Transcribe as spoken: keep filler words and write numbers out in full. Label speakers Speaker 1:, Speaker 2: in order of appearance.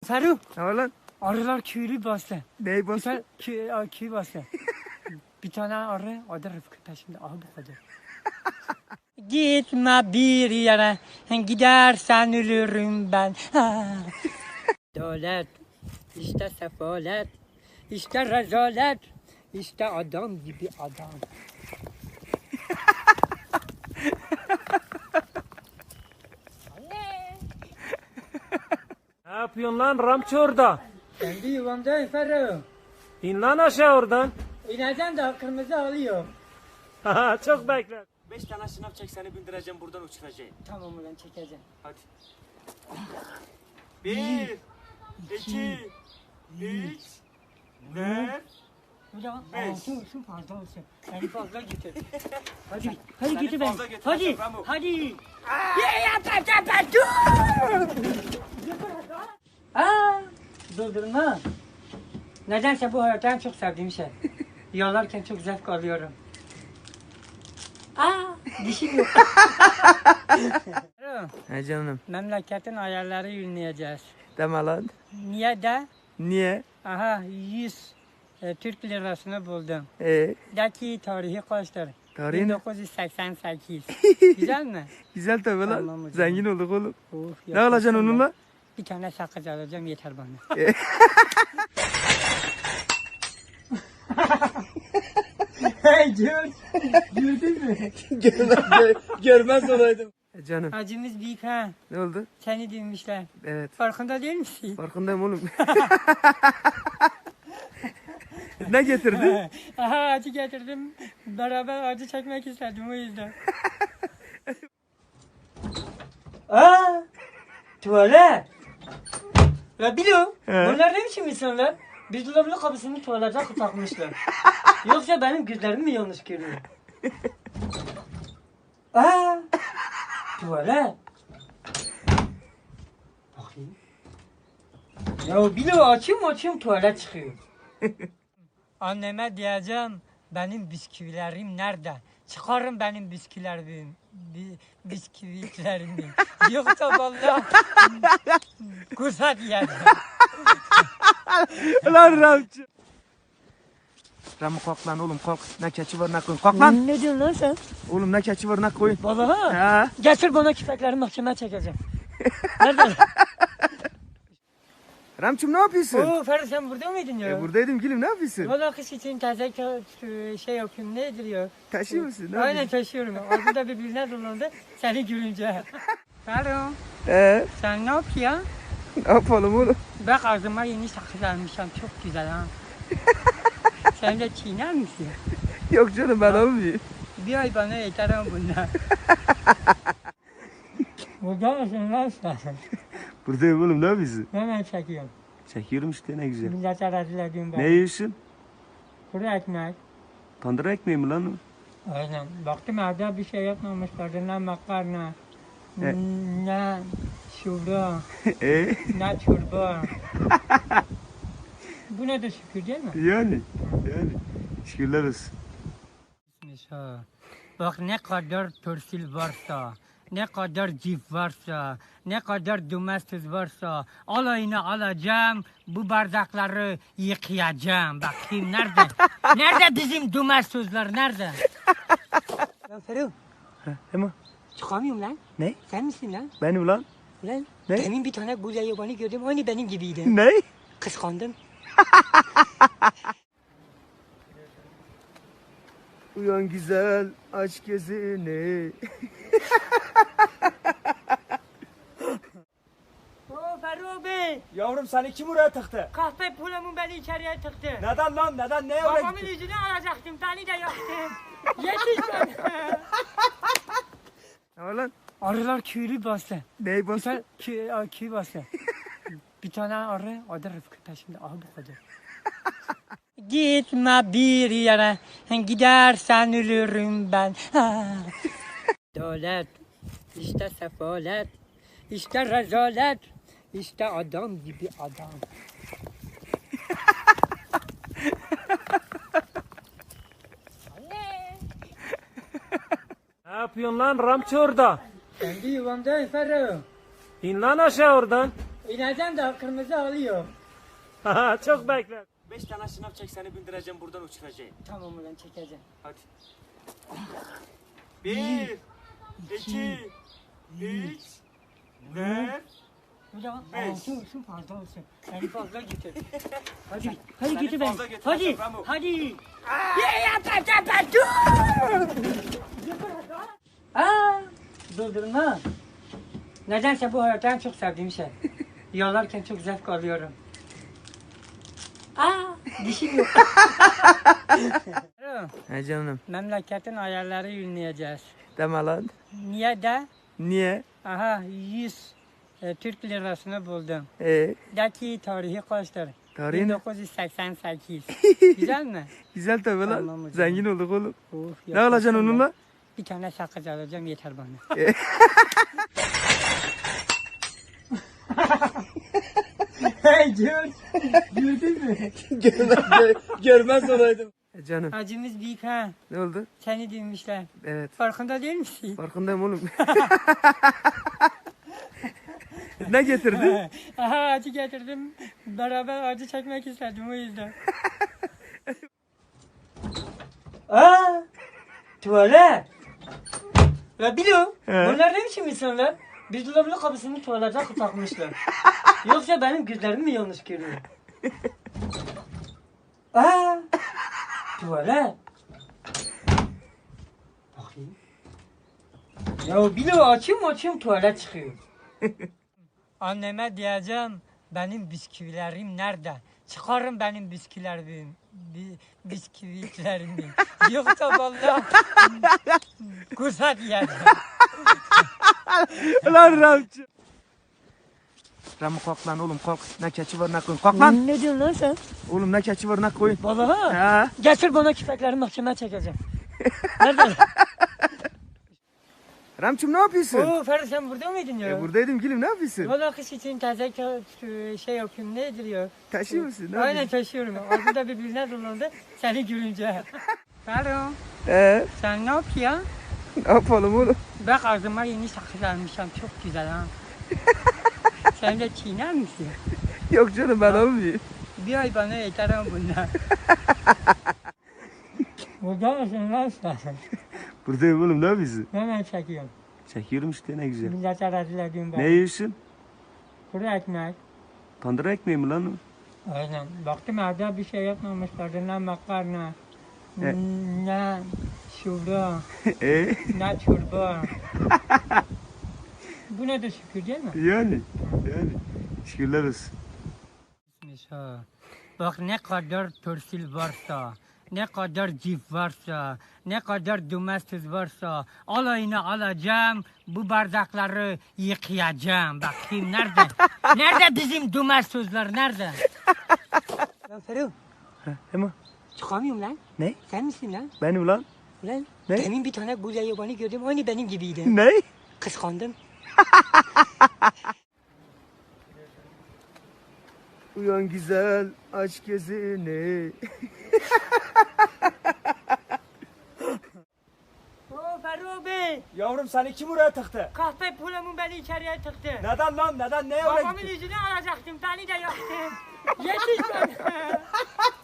Speaker 1: Ferruh,
Speaker 2: Ne var lan?
Speaker 1: arılar köylü bastı.
Speaker 2: Neyi
Speaker 1: Bir
Speaker 2: bastı?
Speaker 1: tane köy, a, köy bastı. Bir tane arı, adı Rıfkı peşimde. Aha bu kadar. Gitme bir yere, gidersen ölürüm ben. Dolet, işte sefalet, işte rezalet, işte adam gibi adam.
Speaker 3: Ne yapıyorsun lan Ramçı orada?
Speaker 1: Kendi yuvamdayım Ferruh.
Speaker 3: İn lan aşağı oradan.
Speaker 1: İneceğim de kırmızı alıyor.
Speaker 3: Haha, çok bekle. Beş tane şınav çek seni bindireceğim buradan uçuracağım.
Speaker 1: Tamam ulan çekeceğim.
Speaker 3: Hadi. Bir, iki, üç, dört.
Speaker 1: Hocam
Speaker 3: Beş.
Speaker 1: altı olsun fazla olsun. Yani fazla getir. Hadi, hadi
Speaker 3: Seni
Speaker 1: getir ben.
Speaker 3: fazla getir,
Speaker 1: Hadi,
Speaker 3: Rambo.
Speaker 1: hadi. Ya ya pa pa pa dur. Aa, durdurma. Nedense bu hayatta en çok sevdiğim şey. Yollarken çok zevk alıyorum. Aa, dişim yok.
Speaker 2: He canım.
Speaker 1: Memleketin ayarları yürüneceğiz.
Speaker 2: Deme lan.
Speaker 1: Niye de?
Speaker 2: Niye?
Speaker 1: Aha yüz e, Türk lirasını buldum.
Speaker 2: Ee,
Speaker 1: Daki tarihi kaçtır?
Speaker 2: Tarihi ne?
Speaker 1: bin dokuz yüz seksen sekiz. Güzel mi?
Speaker 2: güzel tabii lan.
Speaker 1: Tamam hocam.
Speaker 2: Zengin olduk oğlum.
Speaker 1: Uf,
Speaker 2: Ne alacaksın
Speaker 1: yaşasın
Speaker 2: onunla?
Speaker 1: be. Bir tane sakız alacağım yeter bana. Hey George, gördün mü?
Speaker 2: görmez, görmez olaydım. E canım.
Speaker 1: Acımız büyük ha.
Speaker 2: Ne oldu?
Speaker 1: Seni dinmişler.
Speaker 2: Evet.
Speaker 1: Farkında değil misin?
Speaker 2: Farkındayım oğlum. Ne getirdin?
Speaker 1: Aha acı getirdim. Beraber acı çekmek istedim o yüzden. Aa! Tuvalet! Ya bilo, bunlar ne biçim insanlar? Bir dolabın kapısını tuvalete takmışlar. Yoksa benim gözlerim mi yanlış görüyor? Aa! Tuvalet! Bakayım. Ya bilo açayım açayım tuvalet çıkıyor. Anneme diyeceğim benim bisküvilerim nerede? Çıkarın benim bisküvilerimi. Bi, bisküvilerimi. Yoksa vallahi kursa diyeceğim.
Speaker 2: Lan Ramçı. Ramı kalk lan oğlum kalk. Ne keçi var ne koyun. Kalk lan.
Speaker 1: Ne diyorsun lan sen?
Speaker 2: Oğlum ne keçi var ne koyun.
Speaker 1: Vallahi
Speaker 2: Ha.
Speaker 1: getir bana küpekleri mahkemeye çekeceğim. Nerede?
Speaker 2: Ramçım ne yapıyorsun?
Speaker 1: Oo Ferdi sen burada mıydın ya?
Speaker 2: E, buradaydım gülüm ne yapıyorsun?
Speaker 1: Valla kış için taze kö- şey yapıyorum nedir ya?
Speaker 2: Taşıyor musun? Ne
Speaker 1: Aynen
Speaker 2: yapıyorsun?
Speaker 1: taşıyorum. Ağzı da birbirine dolandı seni görünce. Ferdi
Speaker 2: Ee,
Speaker 1: sen ne yapıyorsun?
Speaker 2: ne yapalım oğlum?
Speaker 1: Bak ağzıma yeni sakız almışım çok güzel ha. Sen de çiğner misin?
Speaker 2: Yok canım ben almayayım.
Speaker 1: Bir ay bana yeter ama bunlar. Burada mısın lan sen?
Speaker 2: Buradayım oğlum ne yapıyorsun?
Speaker 1: Hemen çekiyorum.
Speaker 2: Çekiyorum işte ne güzel.
Speaker 1: Millete rezil ediyorum ben.
Speaker 2: Ne yiyorsun?
Speaker 1: Kuru ekmek.
Speaker 2: Tandır ekmeği mi lan o?
Speaker 1: Aynen. Baktım evde bir şey yapmamışlar. Ne makarna,
Speaker 2: E?
Speaker 1: ne şurada,
Speaker 2: Eee?
Speaker 1: ne çorba. Bu ne de şükür değil mi?
Speaker 2: yani. Yani. Şükürler olsun.
Speaker 1: Ha. Bak ne kadar torsil varsa, ne kadar cif varsa, ne kadar domestos varsa alayını alacağım, bu bardakları yıkayacağım. Bakayım nerede? Nerede bizim domestoslar nerede? Lan Ferruh,
Speaker 2: Ha, Ema.
Speaker 1: çıkamıyorum lan.
Speaker 2: Ne?
Speaker 1: Sen misin lan?
Speaker 2: Benim lan.
Speaker 1: Lan
Speaker 2: Ne?
Speaker 1: demin bir tane buraya yabanı gördüm, aynı benim gibiydi.
Speaker 2: Ne?
Speaker 1: Kıskandım.
Speaker 2: Uyan güzel aç gözünü.
Speaker 1: Oo Ferruh Bey,
Speaker 3: Yavrum seni kim oraya tıktı?
Speaker 1: kahpe pulumun beni içeriye tıktı.
Speaker 3: Neden lan neden neye oraya
Speaker 1: Babamın
Speaker 3: gittin?
Speaker 1: yüzünü alacaktım, beni de yaktım. Yetiş bana.
Speaker 2: Ne var lan?
Speaker 1: Arılar köylü bastı.
Speaker 2: Neyi
Speaker 1: Bir
Speaker 2: bastı?
Speaker 1: tane köy, a, köy bastı. Bir tane arı, adı Rıfkı peşimde. Aha bu kadar. Gitme bir yere, gidersen ölürüm ben. Dolet, işte sefalet, işte rezalet, işte adam gibi adam.
Speaker 3: Ne yapıyorsun lan Ramçı orada?
Speaker 1: Kendi yuvamdayım Ferruh.
Speaker 3: İn lan aşağı oradan.
Speaker 1: İnerken de kırmızı alıyor.
Speaker 3: Ha, çok bekler. Beş tane şınav çek seni bindireceğim buradan uçuracağım.
Speaker 1: Tamam ulan çekeceğim.
Speaker 3: Hadi. Bir, iki, üç, dört.
Speaker 1: Hocam
Speaker 3: Beş.
Speaker 1: altı olsun fazla olsun. Yani fazla getir. Hadi. Hadi
Speaker 3: Seni
Speaker 1: getir ben.
Speaker 3: fazla getir,
Speaker 1: Hadi.
Speaker 3: Ramo.
Speaker 1: Hadi. Ya yap yap yap yap dur. Aa, durdurma. Nedense bu hayatta en çok sevdiğim şey. Yollarken çok zevk alıyorum. Aa, dişim yok.
Speaker 2: He canım.
Speaker 1: Memleketin ayarları yürüneceğiz.
Speaker 2: Deme lan.
Speaker 1: Niye de?
Speaker 2: Niye?
Speaker 1: Aha yüz e, Türk lirasını buldum.
Speaker 2: Ee,
Speaker 1: Daki tarihi kaçtır?
Speaker 2: Tarihi ne?
Speaker 1: bin dokuz yüz seksen sekiz. Güzel mi?
Speaker 2: güzel tabii lan.
Speaker 1: Tamam hocam.
Speaker 2: Zengin olduk oğlum.
Speaker 1: Uf,
Speaker 2: Ne alacaksın
Speaker 1: yaşasın
Speaker 2: onunla?
Speaker 1: be. Bir tane sakız alacağım yeter bana. Hey George, gördün mü?
Speaker 2: görmez, görmez olaydım. E canım.
Speaker 1: Acımız büyük ha.
Speaker 2: Ne oldu?
Speaker 1: Seni dinmişler.
Speaker 2: Evet.
Speaker 1: Farkında değil misin?
Speaker 2: Farkındayım oğlum. ne getirdin?
Speaker 1: Aha acı getirdim. Beraber acı çekmek istedim o yüzden. Aa! Tuvalet! Ya biliyorum.
Speaker 2: He.
Speaker 1: Bunlar ne biçim insanlar? Bir dolabın kapısını tuvalete takmışlar. Yoksa benim gözlerim mi yanlış görüyor? Aa! Tuvalet! Bakayım. Ya biliyorum açayım açayım tuvalet çıkıyor. Anneme diyeceğim benim bisküvilerim nerede? Çıkarın benim bisküvilerimi. Bi, bisküvilerimi. Yoksa vallahi kursa diyeceğim.
Speaker 2: lan Ramçı. Ramı kalk lan oğlum kalk. Ne keçi var ne koyun. Kalk lan.
Speaker 1: Ne diyorsun lan sen?
Speaker 2: Oğlum ne keçi var ne koyun.
Speaker 1: Vallahi.
Speaker 2: Ha.
Speaker 1: Getir bana küpekleri mahkemeye çekeceğim. Nerede?
Speaker 2: Ramçım ne yapıyorsun?
Speaker 1: Oo Ferdi sen burada mıydın ya?
Speaker 2: E, buradaydım gülüm ne yapıyorsun?
Speaker 1: Valla kış için taze kö- şey yapıyorum nedir ya?
Speaker 2: Taşıyor musun? Ne
Speaker 1: Aynen
Speaker 2: yapıyorsun?
Speaker 1: taşıyorum. Ağzı da birbirine dolandı seni görünce. Ferdi
Speaker 2: Ee,
Speaker 1: sen ne yapıyorsun?
Speaker 2: ne yapalım oğlum?
Speaker 1: Bak ağzıma yeni sakız almışım çok güzel ha. Sen de çiğner misin?
Speaker 2: Yok canım ben almayayım.
Speaker 1: Bir ay bana yeter ama bunlar. Burada mısın lan sen?
Speaker 2: Buradayım oğlum ne yapıyorsun?
Speaker 1: Hemen çekiyorum.
Speaker 2: Çekiyorum işte ne güzel.
Speaker 1: Millete rezil ediyorum ben.
Speaker 2: Ne yiyorsun?
Speaker 1: Kuru ekmek.
Speaker 2: Tandır ekmeği mi lan o?
Speaker 1: Aynen. Baktım evde bir şey yapmamışlardı. Ne makarna,
Speaker 2: E?
Speaker 1: ne şurada,
Speaker 2: Eee?
Speaker 1: ne çorba. Bu ne de şükür değil mi?
Speaker 2: yani. Yani. Şükürler olsun.
Speaker 1: Bak ne kadar torsil varsa, ne kadar cif varsa, ne kadar domestos varsa alayını alacağım, bu bardakları yıkayacağım. Bakayım nerede? Nerede bizim domestoslar nerede? Lan Ferruh,
Speaker 2: Ha, Ema.
Speaker 1: çıkamıyorum lan.
Speaker 2: Ne?
Speaker 1: Sen misin lan?
Speaker 2: Benim lan.
Speaker 1: Lan
Speaker 2: Ne?
Speaker 1: demin bir tane buraya yabanı gördüm, aynı benim gibiydi.
Speaker 2: Ne?
Speaker 1: Kıskandım.
Speaker 2: Uyan güzel aç gözünü.
Speaker 1: Oo Ferruh Bey,
Speaker 3: Yavrum seni kim oraya tıktı?
Speaker 1: kahpe pulumun beni içeriye tıktı.
Speaker 3: Neden lan neden neye oraya
Speaker 1: Babamın
Speaker 3: gittin?
Speaker 1: yüzünü alacaktım, beni de yaktın. Yetiş bana.